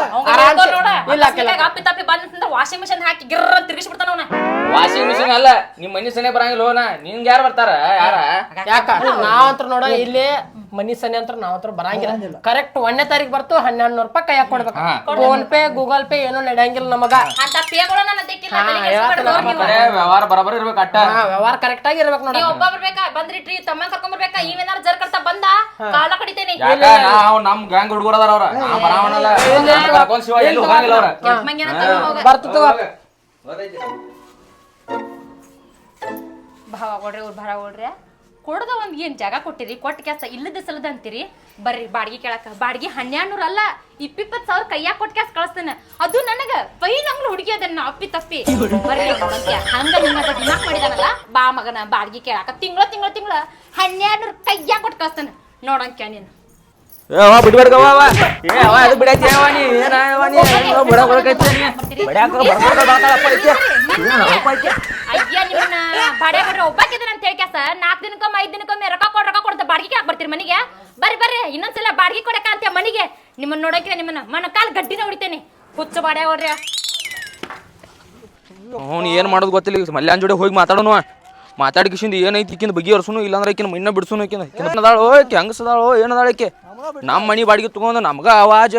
ಅಪ್ಪಿ ತಪ್ಪಿ ಬಂದಂದ್ರ ವಾಷಿಂಗ್ ಮಿಷನ್ ಹಾಕಿ ಗಿರ್ರ ತಿರ್ಗಿಸ್ಬಿಡ್ತಾನ ಅವನ. ವಾಷಿಂಗ್ ಮಿಷಿನ್ ಅಲ್ಲ, ನಿಮ್ ಮನಿ ಸನೆ ಬರಂಗಿಲ್ಲ ಹೋನ. ನಿನ್ಗೆ ಯಾರು ಬರ್ತಾರ? ಯಾರ ಯಾಕ ನಾವಂತ್ರ ನೋಡ ಇಲ್ಲಿ ಮನಿ ಸನಿ ಅಂತ ನಾವಂತ್ರ ಬರಂಗಿಲ್ಲ. ಕರೆಕ್ಟ್ 1ನೇ ತಾರೀಕು ಬರ್ತು 1,200 ರೂಪಾಯಿ ಕೈಯಾಗ ಕೊಡ್ಬೇಕು. ಫೋನ್ ಪೇ ಗೂಗಲ್ ಪೇ ಏನೂ ನಡೆಯಂಗಿಲ್ಲ ನಮಗ. ಅಂತ ಪೇಗಳು ನನ್ನ ತೆಕ್ಕಿಲ್ಲ. ವ್ಯವಹಾರ ಬರಬರ ಇರ್ಬೇಕು ಅಟ್ಟ. ವ್ಯವಹಾರ ಕರೆಕ್ಟ್ ಆಗಿ ಇರ್ಬೇಕು ನೋಡ. ನೀವ್ ಒಬ್ಬ ಬರ್ಬೇಕಾ? ಬಂದ್ರಿಟ್ರಿ ತಮ್ಮ ಕರ್ಕೊಂಡ್ ಬರ್ಬೇಕಾ? ಇವೇನಾರ ಜರ್ ಕಟ್ತಾ ಬಂದ ಕಾಲ ಕಡಿತೇನೆ. ಯಾಕ ನಾವು ನಮ್ ಗ್ಯಾಂಗ್ ಹುಡುಗರ ಅದಾರ ಅವ್ರ. ನಾ ಬರಾವಣಲ್ಲ ಕರ್ಕೊಂಡ್ ಶಿವ ಎಲ್ಲಿ ಹೋಗಂಗಿಲ್ಲ ಅವ್ರ. ಬರ್ತು ಭಾವ ಕೊಡ್ರಿ ಅವ್ರು ಭಾರ ಕೊಡ್ರಿ. ಕೊಡದ ಒಂದ್ ಏನ್ ಜಾಗ ಕೊಟ್ಟಿರಿ, ಕೊಟ್ಟ ಕೆಲಸ ಇಲ್ಲದ ಸಲದ ಅಂತೀರಿ. ಬರ್ರಿ ಬಾಡಿಗೆ ಕೇಳಕ. ಬಾಡಿಗೆ 1,200 ಅಲ್ಲ 20,000 ಕೈಯಾಗ ಕೊಟ್ಟ ಕ್ಯಾಸ್ ಕಳಿಸ್ತೇನೆ. ಅದು ನನಗ ಬೈಲಂಗ್ಳು ಹುಡುಗಿ ಅದನ್ನ ಅಪ್ಪಿ ತಪ್ಪಿ ಬರ್ರಿ ನೋಡಂತ್ಯ. ಹಂಗ ನಿಮ್ಮದ ದಿಮಾಕ್ ಮಾಡಿದಾನಲ್ಲ ಬಾ ಮಗನ ಬಾಡಿಗೆ ಕೇಳಾಕ. ತಿಂಗಳ 1,200 ಕೈಯಾಗ ಕೊಟ್ಟು ಕಳಿಸ್ತೇನೆ ನೋಡಂತ್ಯ ನೀನು. ಬಿಡ್ಬೇಡ ಅದು ಬಿಡಾಯ್ತಿ ನೀ ಏನ ಅಯ್ಯ ನಿಮ್ಮನ್ನ ಬಾಡಿಗೆ ಕೊಡ್ರಿ ಒಬ್ಬಾಕಿದ್ರೆ ಅಂತ ಹೇಳಿ ಕ್ಯಾಸ 4 ದಿನಕ್ಕೊಮ್ಮೆ 5 ದಿನಕ್ಕೊಮ್ಮೆ ರೊಕ್ಕ ಕೊಡ್ತ ಬಾಡಿಗೆ ಹಾಕಿ ಬರ್ತೀರಿ ಮನೆಗೆ. ಬರ್ರಿ ಇನ್ನೊಂದ್ಸಲ ಬಾಡಿಗೆ ಕೊಡಕ ಅಂತ ಮನೆಗೆ ನಿಮ್ಮನ್ನ ನೋಡಕ್ಕೆ ನಿಮ್ಮನ್ನ ಮನ ಕಾಲ್ ಗಡ್ಡಿನ ಹೊಡಿತೇನೆ. ಹುಚ್ಚ ಬಾಡ್ಯ ಹೊಡ್ರಿ. ಅವ್ನು ಏನ್ ಮಾಡೋದು ಗೊತ್ತಿಲ್ಲ. ಈಗ ಮಲ್ಯಾನ್ ಜೋಡಿ ಹೋಗಿ ಮಾತಾಡೋನು. ಮಾತಾಡಿಕಿಸಿಂದ ಏನೈತಿ ಈಕಿನ ಬಗ್ಗೆ ಇರ್ಸುನು, ಇಲ್ಲಾಂದ್ರೆ ಈಕಿನ ಮಣ್ಣ ಬಿಡ್ಸುನು. ಈಕಿನದಾಳು ಈಕಿ ಹಂಗಸದಾಳು ಏನದಾಳ ಈಕೆ. ನಮ್ಮ ಮನಿ ಬಾಡಿಗೆ ತಗೊಂಡು ನಮ್ಗ ಆವಾಜ್.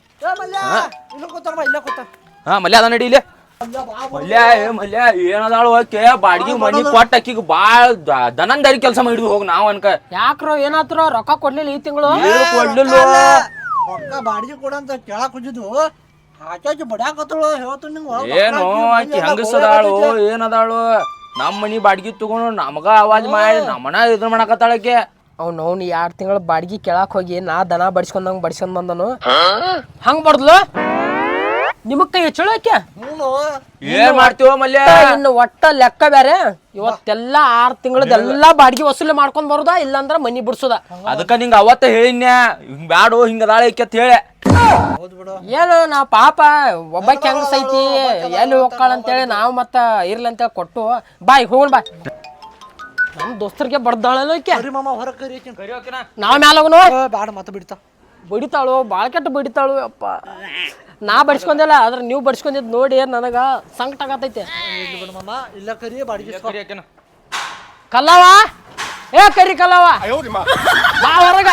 ಹಾ ಮಲ್ಯ ಅದ ನಡಿ ಇಲ್ಲೇ. ಮಲ್ಯ ಏನದಾಳು ಆಕೆ ಬಾಡಿಗೆ ಮನಿ ಕೊಟ್ಟ ಆಕಿಗೆ ಬಾಳ್ ದನಂದಾರಿ ಕೆಲಸ ಮಾಡಿದ್ವಿ ಹೋಗಿ ನಾವ್ ಅನ್ಕ. ಯಾಕ್ರೋ ಏನಾತ್ರೋ ರೊಕ್ಕ ಕೊಡ್ಲಿಲ್ಲ ಈ ತಿಂಗಳು? ಕೊಡ್ಲಿಲ್ಲ ರೊಕ್ಕ ಬಾಡಿಗೆ ಕೊಡಂತ ಕೇಳಕ್ ಹೋಗಿದ್ದು ಆಚಾಚಿ ಬಡ್ಯಾಕತ್ತಳು ಹೇಳ್ತು ನಿಂಗೆ ಏನು ಆಕಿ ಹೆಂಗಸದಾಳು ಏನದಾಳು ನಮ್ಮ ಮನಿ ಬಾಡ್ಗಿ ತಗೊಂಡು ನಮಗ ಆವಾಜ್ ಮಾಡಿ ನಮ್ಮನ ಇದನ್ನ ಮಾಡಕತ್ತಾಳಕ್ಕೆ ಅವ್ನು 2 ತಿಂಗಳ ಬಾಡಿಗೆ ಕೇಳಕ್ ಹೋಗಿ ನಾ ದನ ಬಡಿಸ್ಕೊಂಡ್ ಬಂದನು ಹಂಗ್ ಬಡ್ದ್ಲು ನಿಮಗ್ ಕೈ ಹೆಚ್ಚಳಕ್ಕೆ ಏನ್ ಮಾಡ್ತೀವ ಮಲ್ಯ ಇನ್ನು ಒಟ್ಟ ಲೆಕ್ಕ ಬೇರೆ ಇವತ್ತೆಲ್ಲ 6 ತಿಂಗಳದೆಲ್ಲಾ ಬಾಡಿಗೆ ವಸೂಲಿ ಮಾಡ್ಕೊಂಡ್ ಬರುದ ಇಲ್ಲಾಂದ್ರ ಮನಿ ಬಿಡ್ಸುದ ಅದಕ್ಕ ನಿಂಗ ಅವತ್ತ ಹೇಳಿನ್ಯ ಹಿಂಗ್ ಬ್ಯಾಡು ಹಿಂಗದಾಳ ಈಕೆ ಅಂತ ಹೇಳಿ ಏನು ನಾ ಪಾಪ ಒಬ್ಬಾಕಿ ಹೆಂಗ್ ಸೈತಿ ಎಲ್ಲಿ ಹೋಗ್ಕಾಳ ಅಂತೇಳಿ ನಾವು ಮತ್ತ ಇರ್ಲಿ ಅಂತೇಳಿ ಕೊಟ್ಟು ಬಾಯ್ ಹೋಗೋಣ ಬಾ ನಮ್ ದೋಸ್ತರಿಗೆ ಬಡ್ದಾಳಲ್ಲ ಈಕೆ ಕರಿ ಮಾಮ ಹೊರ ಕರಿ ನಾವ್ ಮ್ಯಾಲ ಹೋಗೋಣ ಬ್ಯಾಡ ಮತ್ತೆ ಬಿಡ್ತಾ ಬಡಿತಾಳು ಬಾಳ ಕೆಟ್ಟ ಬಡಿತಾಳು ಅಪ್ಪ ನಾ ಬಡಿಸ್ಕೊಂಡಿಲ್ಲ ಆದ್ರೆ ನೀವು ಬಡಿಸ್ಕೊಂಡಿದ್ ನೋಡಿ ನನಗ ಸಂಕಟ ಆಗತೈತೆ ಬಿಡು ಮಾಮ ಇಲ್ಲ ಕರಿ ಬಾಡಿಗೆ ಕಲ್ಲವ ಏ ಕರಿ ಕಲ್ಲವ ಬಾ ಹೊರಗ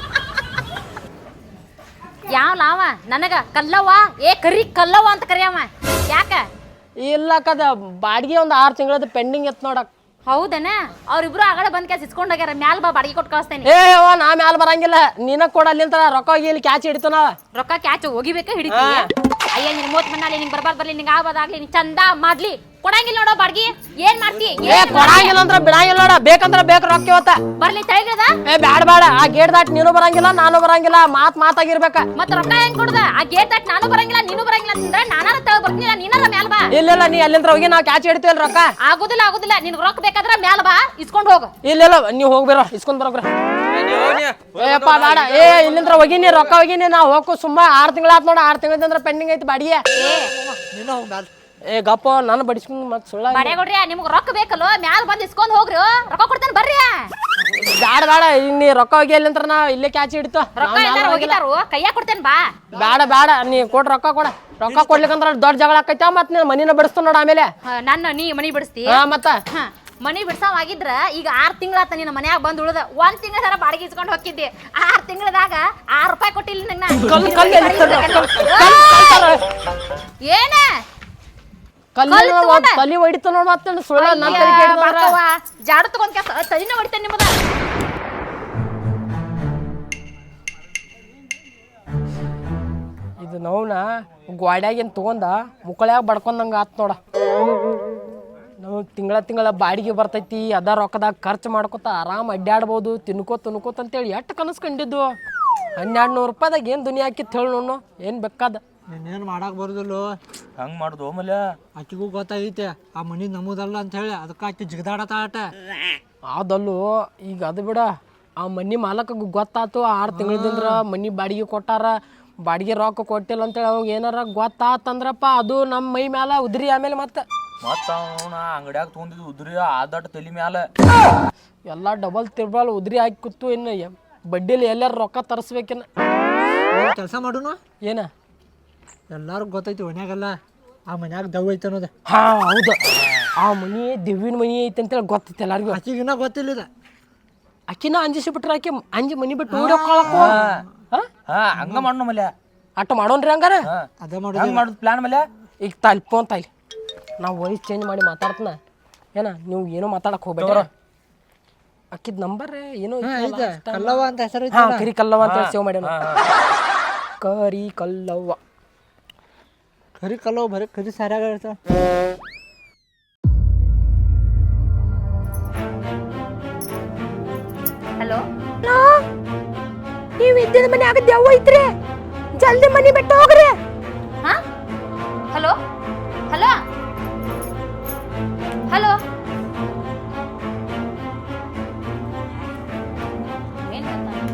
ಯಾವ ಲಾವ ನನಗ ಕಲ್ಲವ್ವ ಏ ಕರಿ ಕಲ್ಲವ್ವ ಅಂತ ಕರಿಯವ ಯಾಕ ಇಲ್ಲ ಕದ ಬಾಡಿಗೆ ಒಂದು 6 ತಿಂಗಳದ ಪೆಂಡಿಂಗ್ ಎತ್ ನೋಡಕ್ ಹೌದನ ಅವ್ರಿಬ್ರು ಆಗಡೆ ಬಂದ್ ಕ್ಯಾಸ್ ಇಸ್ಕೊಂಡ್ ಹೋಗ್ಯಾರ ಮ್ಯಾಲ ಬಾ ಬಾಡಿಗೆ ಕೊಟ್ಟು ಕಳಿಸ್ತೇನೆ ಏ ನಾ ಮ್ಯಾಲ ಬರಂಗಿಲ್ಲ ನೀನ ಕೊಡ ಅಲ್ಲಿಂತ ರೊಕ್ಕ ಹೋಗಿ ಇಲ್ಲಿ ಕ್ಯಾಚ್ ಹಿಡಿತು ನಾವ ರೊಕ್ಕ ಕ್ಯಾಚ್ ಹೋಗಿಬೇಕ ಹಿಡಿತಿ ಅಯ್ಯ ನಿನ್ 30 ಮಣ್ಣಲ್ಲಿ ನಿಂಗೆ ಬರ್ಲಿ ನಿಂಗೆ ಆಗ್ಬೋದಾಗ್ಲಿ ನೀನ್ ಚಂದ ಮಾಡ್ಲಿ ಕೊಡಂಗಿಲ್ಲ ನೋಡೋ ಬಾಡ್ಗಿ ಏನ್ ಮಾಡ್ತಿ ಏ ಕೊಡಂಗಿಲ್ಲ ಅಂದ್ರ ಬಿಡಂಗಿಲ್ಲ ನೋಡ ಬೇಕಂದ್ರ ಬೇಕು ರೊಕ್ಕ ಇವತ್ತ ಬರ್ಲಿ ತೆಳಗಿದ ಏ ಬ್ಯಾಡ ಬೇಡ ಆ ಗೇಟ್ ದಾಟ್ ನೀನು ಬರಂಗಿಲ್ಲ ನಾನು ಬರಂಗಿಲ್ಲ ಮಾತಾಗಿರ್ಬೇಕ ಮತ್ತ ರೊಕ್ಕ ಹೆಂಗ್ ಕೊಡುದ ಆ ಗೇಟ್ ದಾಟ್ ನಾನು ಬರಂಗಿಲ್ಲ ನೀನು ಬರಂಗಿಲ್ಲ ಅಂತಂದ್ರೆ ನಾನಾರ ತೆಳ ಬರ್ತೀನಿಲ್ಲ ನೀನಾರ ಮ್ಯಾಲ ಬಾ ಇಲ್ಲ ನೀ ಅಲ್ಲಿಂದ ಹೋಗಿ ನಾವ್ ಕ್ಯಾಚ್ ಹಿಡಿತೀವಲ್ಲ ರೊಕ್ಕ ಆಗುದಿಲ್ಲ ನಿನ್ಗೆ ರೊಕ್ಕ ಬೇಕಾದ್ರ ಮ್ಯಾಲ ಬಾ ಇಸ್ಕೊಂಡ್ ಹೋಗ ಇಲ್ಲ ನೀವ್ ಹೋಗ್ಬೇರ ಇಸ್ಕೊಂಡ್ ಬರೋಗ್ರ ಏಪ್ಪ ಬೇಡ ಏ ಇಲ್ಲಿಂದ್ರ ಹೋಗಿನಿ ರೊಕ್ಕ ಹೋಗಿನಿ ನಾ ಹೋಗು ಸುಮ್ಮ 6 ತಿಂಗಳ ಆತ್ ನೋಡ 6 ತಿಂಗಳಂದ್ರ ಪೆಂಡಿಂಗ್ ಐತಿ ಬಾಡಿಗೆ ನೀನ ಹೋಗ್ ಮ್ಯಾಲ ಏ ಗಪ್ಪ ನಾನು ಬಡಿಸ್ಕೊಂಡ್ ಮತ್ ಸುಳ್ಳ ಬಡೆ ಕೊಡ್ರಿ ನಿಮ್ಗೆ ರೊಕ್ಕ ಬೇಕಲ್ಲೋ ಮ್ಯಾಲ ಬಂದ್ ಇಸ್ಕೊಂಡ್ ಹೋಗ್ರಿ ರೊಕ್ಕ ಕೊಡ್ತೇನೆ ಬರ್ರಿ ಬೇಡ ನೀ ರೊಕ್ಕ ಹೋಗಿ ಅಲ್ಲಿಂದ್ರ ನಾ ಇಲ್ಲೇ ಕ್ಯಾಚ್ ಹಿಡಿತು ರೊಕ್ಕ ಎಲ್ಲಾರು ಹೋಗಿದಾರು ಕೈಯಾಗ ಕೊಡ್ತೇನೆ ಬಾ ಬೇಡ ನೀ ಕೊಡ್ ರೊಕ್ಕ ಕೊಡ್ಲಿಕ್ಕಂದ್ರ ದೊಡ್ಡ ಜಗಳ ಆಕೈತ ಮತ್ ನೀನ್ ಮನಿನ ಬಿಡಿಸ್ತು ನೋಡ ಆಮೇಲೆ ನನ್ನ ನೀ ಮನಿ ಬಿಡಿಸ್ತಿ ಮತ್ತ ಮನಿ ಬಿಡ್ಸಾವಾಗಿದ್ರ ಈಗ 6 ತಿಂಗಳಾತ ನಿನ್ನ ಮನ್ಯಾಗ ಬಂದ್ ಉಳ್ದ 1 ತಿಂಗಳ ತರ ಬಾಡಿಗೆ ಇಸ್ಕೊಂಡು ಹೋಗಿದ್ದೆ 6 ತಿಂಗಳದಾಗ 6 ರೂಪಾಯಿ ಕೊಟ್ಟಿಲ್ಲ ಏನ ಕಲ್ಲಿ ಹೊಡಿತು ನೋಡ್ ಮತ್ತೆ ಸುಳ್ಳ ಜಾಡು ತಗೊಂಡ್ ಕೆಲಸ ತಲಿನ ಹೊಡಿತೇನೆ ನಿಮ್ಮದ ಇದು ನೋವ್ನ ಗ್ವಾಡ್ಯಾಗಿನ್ ತಗೊಂಡ ಮುಕ್ಕಳ್ಯಾಗ ಬಡ್ಕೊಂಡಂಗ ಆತ್ ನೋಡ ನಾವು ತಿಂಗಳ ಬಾಡಿಗೆ ಬರ್ತೈತಿ ಅದ ರೊಕ್ಕದಾಗ ಖರ್ಚು ಮಾಡ್ಕೊತ ಆರಾಮ್ ಅಡ್ಡಾಡ್ಬೋದು ತಿನ್ಕೋತ ಅಂತೇಳಿ ಎಷ್ಟು ಕನಸು ಕಂಡಿದ್ದು 1200 ರೂಪಾಯಿದಾಗ ಏನು ದುನಿಯಾ ಹಾಕಿತ್ತು ಹೇಳಿ ನೋಡು ಏನು ಬೇಕಾದ ನೀನೇನು ಮಾಡಕ್ ಬರುದಿಲ್ಲ ಹಂಗ್ ಮಾಡುದು ಮಲ್ಯ ಆಕಿಗೂ ಗೊತ್ತಾಗೈತೆ ಆ ಮನಿ ನಮ್ಮದಲ್ಲ ಅಂತ ಹೇಳಿ ಅದಕ್ಕೆ ಆಕಿ ಜಿಗದಾಡತಾಟ ಅದಲ್ಲೂ ಈಗ ಅದು ಬಿಡ ಆ ಮನಿ ಮಾಲಕ ಗೊತ್ತಾತು 6 ತಿಂಗಳದಿಂದ ಮನಿ ಬಾಡಿಗೆ ಕೊಟ್ಟಾರ ಬಾಡಿಗೆ ರೊಕ್ಕ ಕೊಟ್ಟಿಲ್ಲ ಅಂತೇಳಿ ಅವಾಗ ಏನಾರ ಗೊತ್ತಾತಂದ್ರಪ್ಪ ಅದು ನಮ್ಮ ಮೈ ಮ್ಯಾಲ ಉದ್ರಿ ಆಮೇಲೆ ಮತ್ತೆ ಅಂಗಡ್ಯಾಗ ತಗೊಂಡಿದ್ದು ಉದ್ರಿ ಆದಟ್ ತಲಿ ಮ್ಯಾಲ ಎಲ್ಲ ಡಬಲ್ ತಿರ್ಬಲ್ ಉದ್ರಿ ಹಾಕಿ ಕೂತು ಇನ್ನು ಬಡ್ಡಿಲಿ ಎಲ್ಲಾರು ರೊಕ್ಕ ತರಿಸ್ಬೇಕೇನ ಕೆಲಸ ಮಾಡೋಣ ಏನ ಎಲ್ಲಾರು ಗೊತ್ತೈತಿ ಮನ್ಯಾಗಲ್ಲ ಆ ಮನ್ಯಾಗ ದವ್ ಐತೆ ಅನ್ನೋದು ಹೌದು ಆ ಮನಿ ದಿವ್ಯನ ಮನಿ ಐತೆ ಅಂತೇಳಿ ಗೊತ್ತೈತಿ ಎಲ್ಲಾರಿಗೂ ಆಕಿಗಿನ್ನ ಗೊತ್ತಿಲ್ಲ ಇದು ಅಕ್ಕಿನ ಅಂಜಿಸಿ ಬಿಟ್ರ ಆಕಿ ಅಂಜಿ ಮನಿ ಬಿಟ್ಟು ಓಡೋಕೊಳಕು ಹಂಗ ಮಾಡೋಣ ಮಲ್ಯ ಅಟ್ಟ ಮಾಡೋನ್ರಿ ಹಂಗಾರ ಅದೇ ಮಾಡೋದು ಹಂಗ ಮಾಡುದು ಪ್ಲಾನ್ ಮಲ್ಯ ಈಗ ಫೋನ್ ತಾಯಿ ನಾವು ವಾಯ್ಸ್ ಚೇಂಜ್ ಮಾಡಿ ಮಾತಾಡ್ತನ ಏನ ನೀವು ಏನೋ ಮಾತಾಡಕ್ ಹೋಗ್ಬೇಡ ಅಕ್ಕಿದ್ ನಂಬರ್ ಏನೋ ಕಲ್ಲವ್ವ ಅಂತ ಹೆಸರು ಕರಿ ಕಲ್ಲವ್ವ ಅಂತ ಸೇವ್ ಮಾಡ್ಯಾನ ಕರಿ ಕಲ್ಲವ್ವ ಕರಿ ಕಲ್ಲವ್ವ ಬರೀ ಕರಿ ಸಾರ್ಯಾಗ ಇರ್ತಾವ ಹಲೋ ನೀವು ಇದ್ದಿದ ಮನೆ ಆಗ ದೆವ್ವ ಐತ್ರಿ ಜಲ್ದಿ ಮನಿ ಬಿಟ್ಟು ಹೋಗ್ರಿ ಹಾ ಹಲೋ ಹಲೋ ಹಲೋ ಏನ್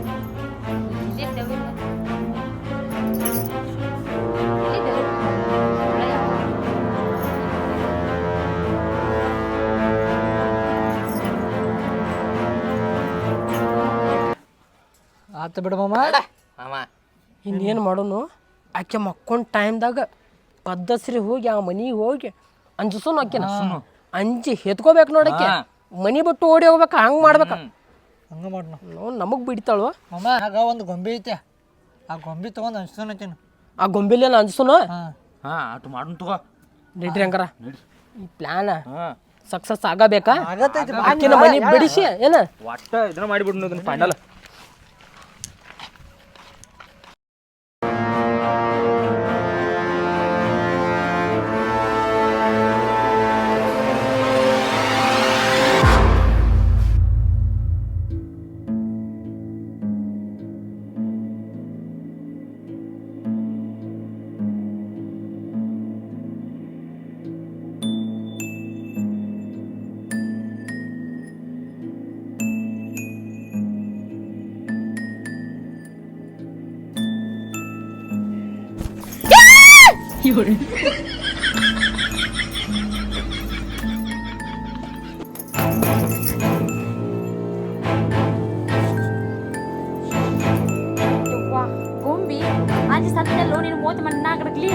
ಆತ ಬಿಡ ಮಾಮ ಇನ್ನೇನು ಮಾಡೋನು ಆಕೆ ಮಕ್ಕೊಂಡ್ ಟೈಮ್ದಾಗ ಪದ್ದಸ್ರಿ ಹೋಗಿ ಆ ಮನಿಗೆ ಹೋಗಿ ಅಂಜಸೋನು ಆಕೆನ ಅಂಜಿ ಹೆತ್ಕೋಬೇಕು ನೋಡಕ್ಕೆ ಮನಿ ಬಿಟ್ಟು ಓಡಿ ಹೋಗ್ಬೇಕ ಹಂಗೆ ಮಾಡ್ಬೇಕ ಹಂಗ ಮಾಡೋಣ ನಾವು ನಮಗೆ ಬಿಡ್ತಾಳು ಮಾಮ ಆಗ ಒಂದು ಗೊಂಬೆ ಐತೆ ಆ ಗೊಂಬೆ ತಗೊಂಡು ಅನ್ಸ್ತಾನಕೇನು ಆ ಗೊಂಬೆಲೇನ ಅಂಜಸೋನು ಅಟ್ ಮಾಡೋಣ ತಗೋ ನಡ್ರಿ ಹಂಗಾರ ಈ ಪ್ಲಾನ್ ಸಕ್ಸಸ್ ಆಗಬೇಕಾ ಆಗತ್ತೈತಿ ಆಕಿನ ಮನಿ ಬಿಡಿಸಿ ಏನ ಒಟ್ಟ ಇದನ್ನ ಮಾಡಿಬಿಡ್ನು ಫೈನಲ್ ಯವ್ವಾ ಗೊಂಬಿ ಅಲ್ಲಿ ಸತ್ತೆಲ್ಲೋ ನೀನು ಮೂವತ್ತು ಮಣ್ಣಾಗಡ್ಲಿ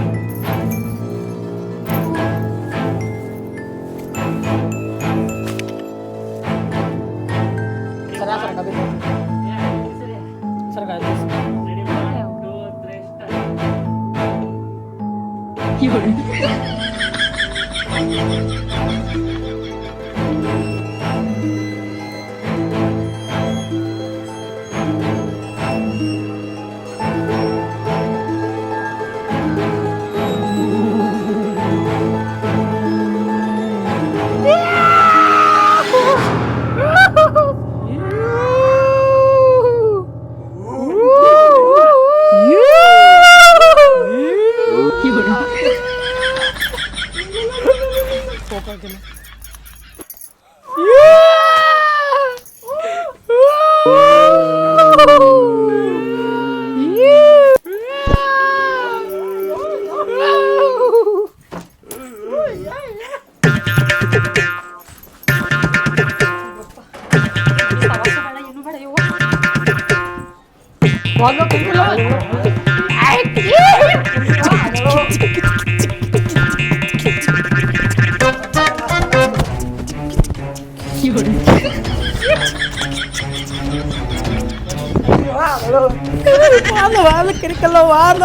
ಕಿರಿಕಲ್ಲ ವಾದ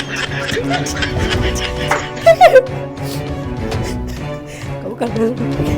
ಕೌ